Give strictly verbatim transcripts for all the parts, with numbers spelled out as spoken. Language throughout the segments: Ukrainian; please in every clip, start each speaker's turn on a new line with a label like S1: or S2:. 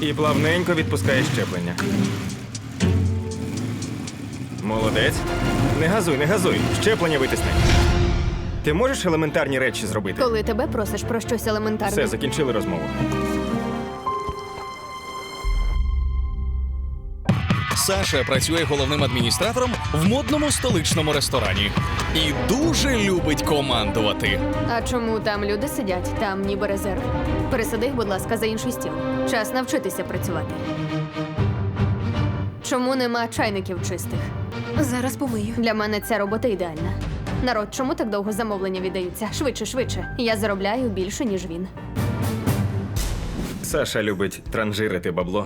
S1: І плавненько відпускає щеплення. Молодець. Не газуй, не газуй. Щеплення витисни. Ти можеш елементарні речі зробити?
S2: Коли тебе просиш про щось елементарне.
S1: Все, закінчили розмову.
S3: Саша працює головним адміністратором в модному столичному ресторані. І дуже любить командувати.
S2: А чому там люди сидять? Там ніби резерв. Пересади їх, будь ласка, за інший стіл. Час навчитися працювати. Чому нема чайників чистих?
S4: Зараз помию.
S2: Для мене ця робота ідеальна. Народ, чому так довго замовлення віддаються? Швидше, швидше. Я заробляю більше, ніж він.
S1: Саша любить транжирити бабло.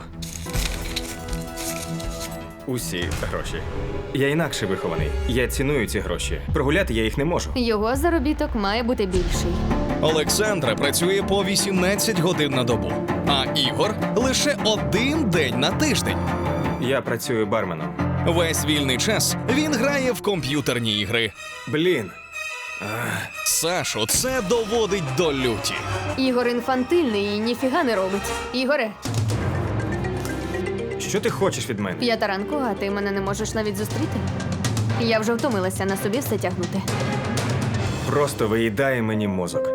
S1: Усі гроші. Я інакше вихований. Я ціную ці гроші. Прогуляти я їх не можу.
S2: Його заробіток має бути більший.
S3: Олександра працює по вісімнадцять годин на добу, а Ігор лише один день на тиждень.
S1: Я працюю барменом.
S3: Весь вільний час він грає в комп'ютерні ігри.
S1: Блін.
S3: Сашу це доводить до люті.
S2: Ігор інфантильний і ніфіга не робить. Ігоре,
S1: Що ти хочеш від мене?
S2: п'ята ранку, а ти мене не можеш навіть зустріти? Я вже втомилася на собі все тягнути.
S1: Просто виїдає мені мозок.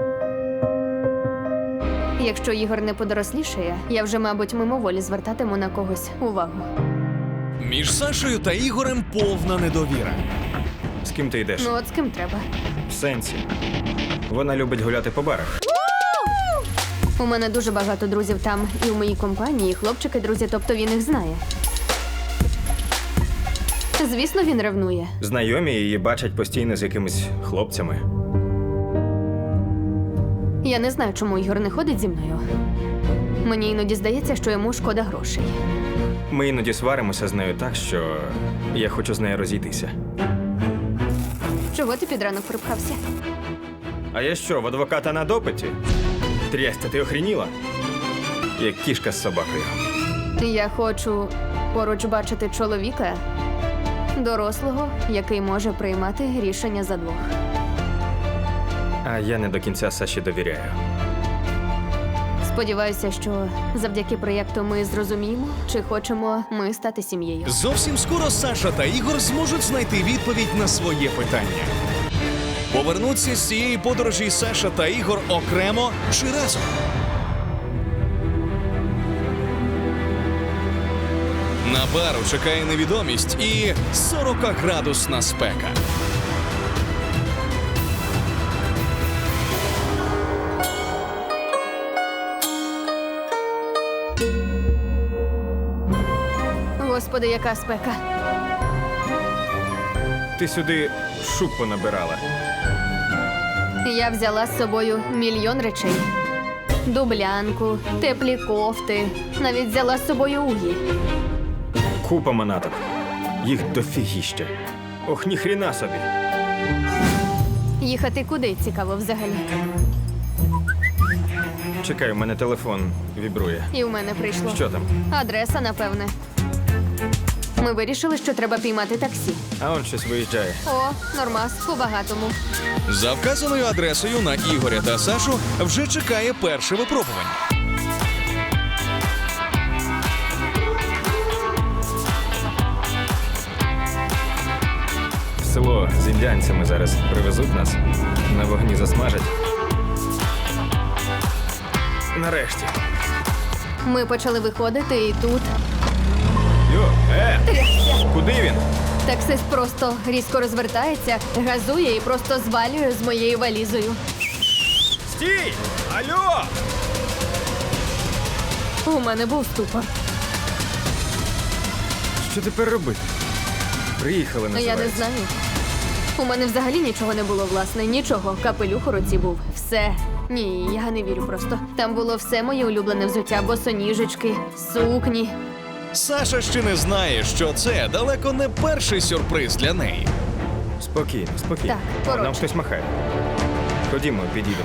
S2: Якщо Ігор не подорослішає, я вже, мабуть, мимоволі звертатиму на когось увагу.
S3: Між Сашою та Ігорем повна недовіра.
S1: З ким ти йдеш?
S2: Ну от з ким треба.
S1: В сенсі. Вона любить гуляти по барах.
S2: У мене дуже багато друзів там і в моїй компанії, і хлопчики друзі, тобто він їх знає. Звісно, він ревнує.
S1: Знайомі її бачать постійно з якимись хлопцями.
S2: Я не знаю, чому Ігор не ходить зі мною. Мені іноді здається, що йому шкода грошей.
S1: Ми іноді сваримося з нею так, що я хочу з нею розійтися.
S2: Чого ти під ранок припхався?
S1: А я що, в адвоката на допиті? Трястя, ти охреніла? Як кішка з собакою.
S2: Я хочу поруч бачити чоловіка, дорослого, який може приймати рішення за двох.
S1: А я не до кінця Саші довіряю.
S2: Сподіваюся, що завдяки проєкту ми зрозуміємо, чи хочемо ми стати сім'єю.
S3: Зовсім скоро Саша та Ігор зможуть знайти відповідь на своє питання. Повернуться з цієї подорожі Саша та Ігор окремо чи разом? На бару чекає невідомість і сорокаградусна спека.
S2: Господи, яка спека.
S1: Ти сюди шуб понабирала.
S2: Я взяла з собою мільйон речей. Дублянку, теплі кофти, навіть взяла з собою угі.
S1: Купа манаток. Їх дофігіще. Ох, ніхріна собі.
S2: Їхати куди, цікаво, взагалі.
S1: Чекай, у мене телефон вібрує.
S2: І в мене прийшло.
S1: Що там?
S2: Адреса, напевне. Ми вирішили, що треба піймати таксі.
S1: А он щось виїжджає.
S2: О, нормас, по-багатому.
S3: За вказаною адресою на Ігоря та Сашу вже чекає перше випробування.
S1: В село з індіанцями зараз привезуть нас. На вогні засмажать. Нарешті.
S2: Ми почали виходити, і тут
S1: Йо, е!
S2: трясся.
S1: Куди він?
S2: Таксист просто різко розвертається, газує і просто звалює з моєю валізою.
S1: Стій! Алло!
S2: У мене був ступор.
S1: Що тепер робити? Приїхали,
S2: Ну, я не
S1: називається.
S2: знаю. У мене взагалі нічого не було, власне, нічого. Капелюх у руці був. Все. Ні, я не вірю просто. Там було все моє улюблене взуття, босоніжечки, сукні.
S3: Саша ще не знає, що це далеко не перший сюрприз для неї.
S1: Спокійно, спокійно.
S2: Так,
S1: О, нам
S2: коротше.
S1: хтось махає. Ходімо, підійдемо.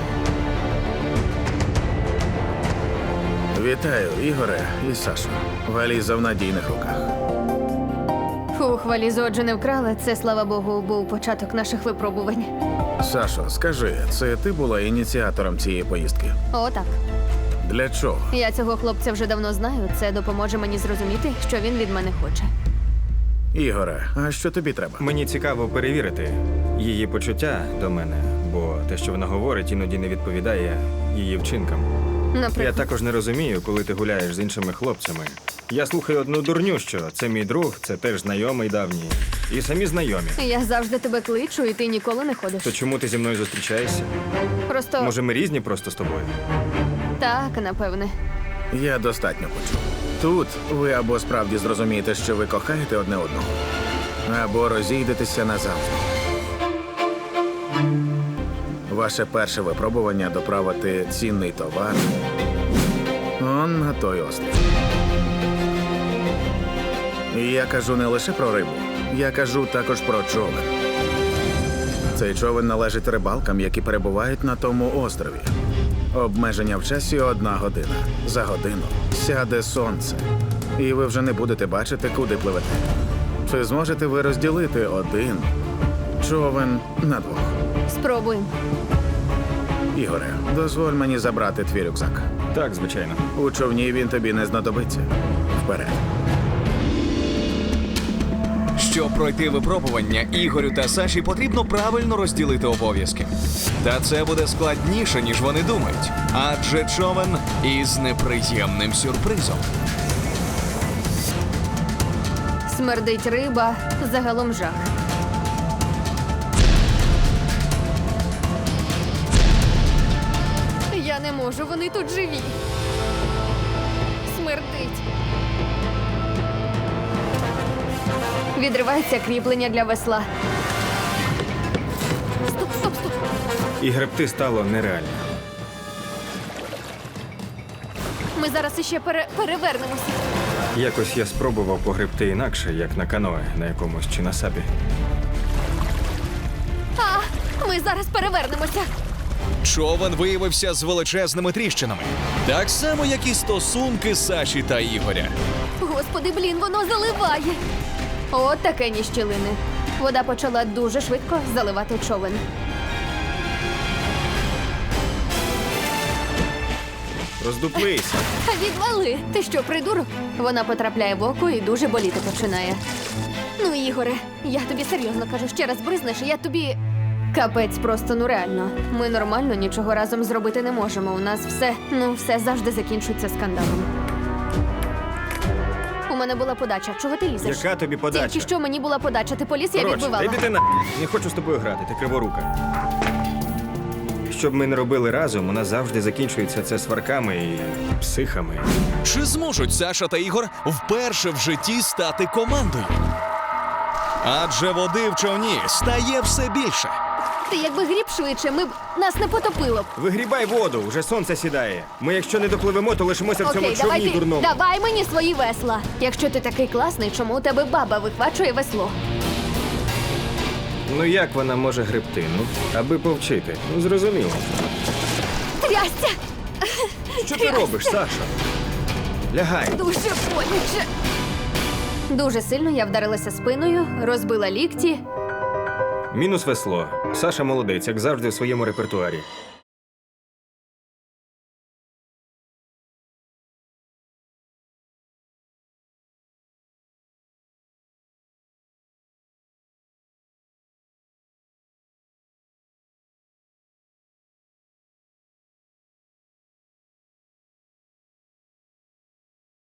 S5: Вітаю, Ігоре і Сашо. Валіза в надійних руках.
S2: Фух, валізу отже не вкрали. Це, слава Богу, був початок наших випробувань.
S5: Сашо, скажи, це ти була ініціатором цієї поїздки?
S2: О, так.
S5: Для чого?
S2: Я цього хлопця вже давно знаю. Це допоможе мені зрозуміти, що він від мене хоче.
S5: Ігоре, а що тобі треба?
S1: Мені цікаво перевірити її почуття до мене, бо те, що вона говорить, іноді не відповідає її вчинкам. Я
S2: Наприклад,
S1: також не розумію, коли ти гуляєш з іншими хлопцями. Я слухаю одну дурню, що це мій друг, це теж знайомий давній. І самі знайомі.
S2: я завжди тебе кличу, і ти ніколи не ходиш.
S1: То чому ти зі мною зустрічаєшся?
S2: Просто
S1: Може, ми різні просто з тобою?
S2: так, напевне.
S5: Я достатньо почув. Тут ви або справді зрозумієте, що ви кохаєте одне одного, або розійдетеся назавжди. Ваше перше випробування доправити цінний товар он на той острів. І я кажу не лише про рибу, я кажу також про човен. Цей човен належить рибалкам, які перебувають на тому острові. Обмеження в часі одна година. За годину сяде сонце, і ви вже не будете бачити, куди пливете. Чи зможете ви розділити один човен на двох?
S2: Спробуємо.
S5: Ігоре, дозволь мені забрати твій рюкзак.
S1: Так, звичайно.
S5: У човні він тобі не знадобиться. Вперед.
S3: Щоб пройти випробування, Ігорю та Саші потрібно правильно розділити обов'язки. Та це буде складніше, ніж вони думають. Адже човен із неприємним сюрпризом.
S2: Смердить риба, загалом жах. Я не можу, вони тут живі. Смердить. Відривається кріплення для весла. Стоп, стоп, стоп.
S1: І гребти стало нереально.
S2: Ми зараз іще пере... перевернемося.
S1: Якось я спробував погребти інакше, як на каное на якомусь чи на сабі.
S2: А, ми зараз перевернемося.
S3: Човен виявився з величезними тріщинами. Так само, як і стосунки Саші та Ігоря.
S2: Господи, блін, воно заливає. От таке ніщілини. Вода почала дуже швидко заливати човен.
S1: Роздуплися.
S2: Відвали! Ти що, придурок? Вона потрапляє в око і дуже боліти починає. Ну, Ігоре, я тобі серйозно кажу, ще раз бризнеш, і я тобі. Капець, просто ну реально. Ми нормально нічого разом зробити не можемо. У нас все, ну, все завжди закінчується скандалом. У мене була подача. Чого ти лізеш?
S1: Яка тобі подача?
S2: Тільки що мені була подача, ти поліз, я
S1: Коротше,
S2: відбивала.
S1: йди ти на. Не хочу з тобою грати, ти криворука. Що б ми не робили разом, у нас завжди закінчується це сварками і психами.
S3: Чи зможуть Саша та Ігор вперше в житті стати командою? Адже води в човні стає все більше.
S2: Ти якби гріб швидше, ми б нас не потопило б.
S1: Вигрібай воду, вже сонце сідає. Ми, якщо не допливемо, то лишимося в цьому
S2: Окей, давай
S1: човні
S2: ти,
S1: дурному.
S2: давай мені свої весла. Якщо ти такий класний, чому у тебе баба вихвачує весло?
S1: Ну як вона може гребти? Ну, аби повчити. Ну, зрозуміло.
S2: Трясся!
S1: Що ти робиш, Саша? Лягай.
S2: Дуже боляче. Дуже сильно я вдарилася спиною, розбила лікті.
S1: Мінус весло. Саша молодець, як завжди, в своєму репертуарі.